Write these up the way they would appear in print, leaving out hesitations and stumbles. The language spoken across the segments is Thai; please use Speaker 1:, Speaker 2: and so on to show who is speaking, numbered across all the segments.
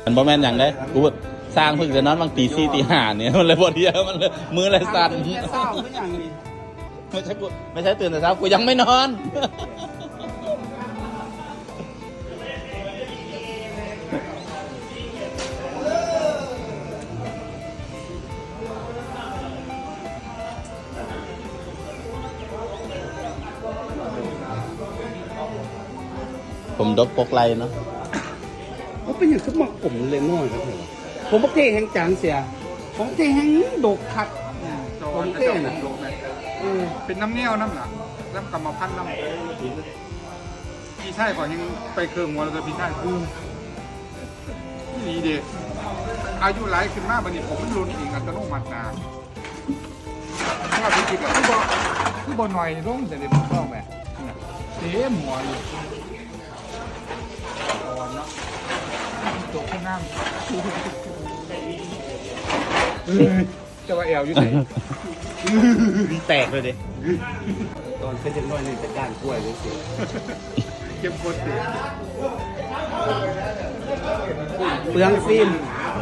Speaker 1: มันบ่แม่นอย่างได้กูสร้างเพิ่งจะนอนบางตี4ตี5เนี่ยมันเลยบ่เดียวมันเลยมือเลยสั่นไม่ใช่ตื่นแต่เช้ากูยังไม่นอนผมดกปกไลเนาะ
Speaker 2: เขาเป็นอย่างสมองผมเลยน้อยครับผมบอกเท่แห่งจางเสียผมเท่แห่งดกคักผมเท่น่ะ
Speaker 3: เป็นน้ำเงี้ยวน้ำหนักน้ำกรรมพันธุ์น้ำพี่ชายก่อนยังไปเครื่องวัวแล้วก็พี่ชายนี่เด็กอายุหลายขึ้นมากบัดนี้ผมมันรุนเองอัตโนมัตินะถ้าพี่คิดแบบคือบอหน่อยลงแต่เด็กมันชอบแบบเต็มหัวอยู่อ่อนเนาะตกข้างน้ำจะว่าแอลอยู่ไหน
Speaker 1: แตกเลยดิ
Speaker 2: ตอนเป็นเด็กน้อยนี่เป็นด้านกล้วยเลยสิ
Speaker 3: เก็บกดติ
Speaker 2: เปลืองฟิล์ม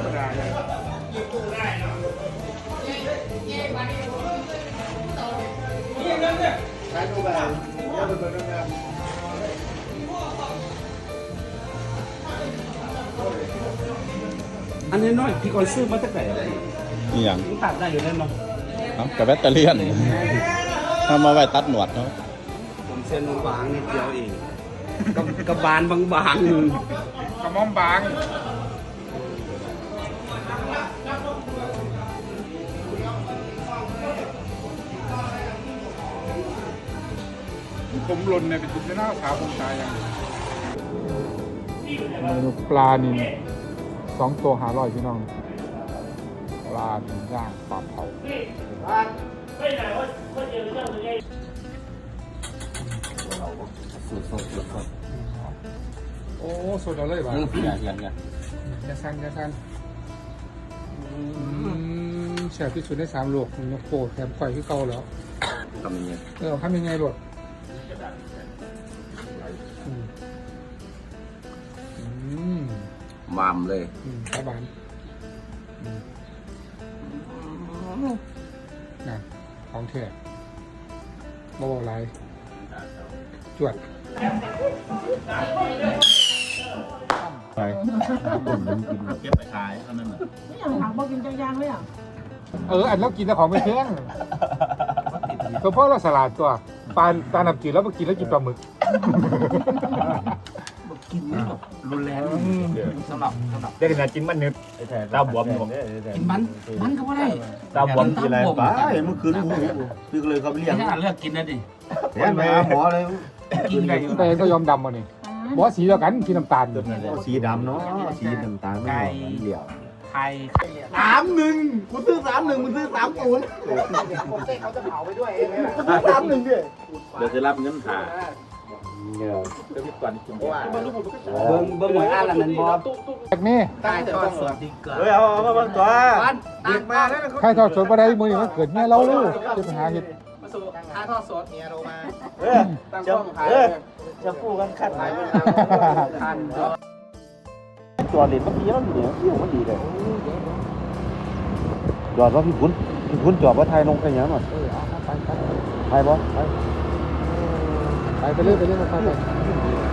Speaker 2: อันนี้น้อยพี่ก่อนซื้อมาตั้งแต่
Speaker 1: นี่อย่าง
Speaker 2: ตัดได้อยู่แน่นอน
Speaker 1: กับแบตเตอรี่ทำมาไว้ตัดหนวดเนาะ
Speaker 2: ผมเส้นบางนิดเดียวเองกับบานบาง
Speaker 3: กระม่อมบางผมหล่นเนี่ยเป็นจุดที่น่าขาวผมตายอย่างเมนูปลานิล2 ตัว500พี่น้องปลานิลย่างปลาเผาโอ้สดเอาเลยบ้างอย่าสั่นแซ่บที่สุดใน3 โลกนกโปแถมไข่ที่เก่าแล้ว
Speaker 1: ทำยังไง
Speaker 3: ทำยังไงหลด
Speaker 1: มามเลย
Speaker 3: ตาบานนะของแท้บ่าวไรจวด
Speaker 1: ไปผมกินเก็บไปขายเท่านั้นแหละ
Speaker 4: ไม่อยากถามบอกกินจังยางเลยอ่ะ
Speaker 3: อันแล้วกินแต่ของไม่แพงเพราะเราสลัดตัวปลาหนับจืดแล้วมากินแล้วกินปลาหมึก
Speaker 2: กินนี่แบบรุนแรงสำหรับ
Speaker 1: ได้ขนาดกินมันนึกตาบวมผม
Speaker 2: กินมันก็ไม่ได้
Speaker 1: ตาบวมกินอะไรป้าเมื่อคืนหูคือเลยเขาเรียก
Speaker 2: เลือกกินนะดิ
Speaker 1: เห็นไหมหมอเลย
Speaker 3: กินได้แต่ก็ยอมดำมาเนี่ยบอกสีเดียวกันสีน้ำตาล
Speaker 1: สีดำเนาะสีน้ำตาลไม่เหลี่ยว
Speaker 2: ไข่31กูซื้อ31มึงซื้อ30เขาจะเผาไปด้วย31ดิ
Speaker 1: เดี๋ยวจะรับเงินหา
Speaker 3: เงี้ยจะมีก่อนกินว่า
Speaker 2: เบิ้งหวยอ่านละมันบอ
Speaker 3: จากนี้
Speaker 2: ใต้ทอดสดดีเกิน
Speaker 1: เอามาบางตัว
Speaker 2: เด็กมาแล้ว
Speaker 3: ใครทอดสดมาได้มือนี่มันเกิดเงี้ยเราลูกจะไปหาเห็ด
Speaker 2: มาสู่ค่าทอดสดเมียโทรมา
Speaker 1: จะพูดกันขัดหายไป
Speaker 2: คัน
Speaker 1: ตัวเด่นเมื่อกี้มันดีเนี่ยที่มันดีเลยจอดว่าพี่คุณจอดว่าไทยลงไปยังหน่อยไทยบอส
Speaker 3: ไปเรื่อยมาไป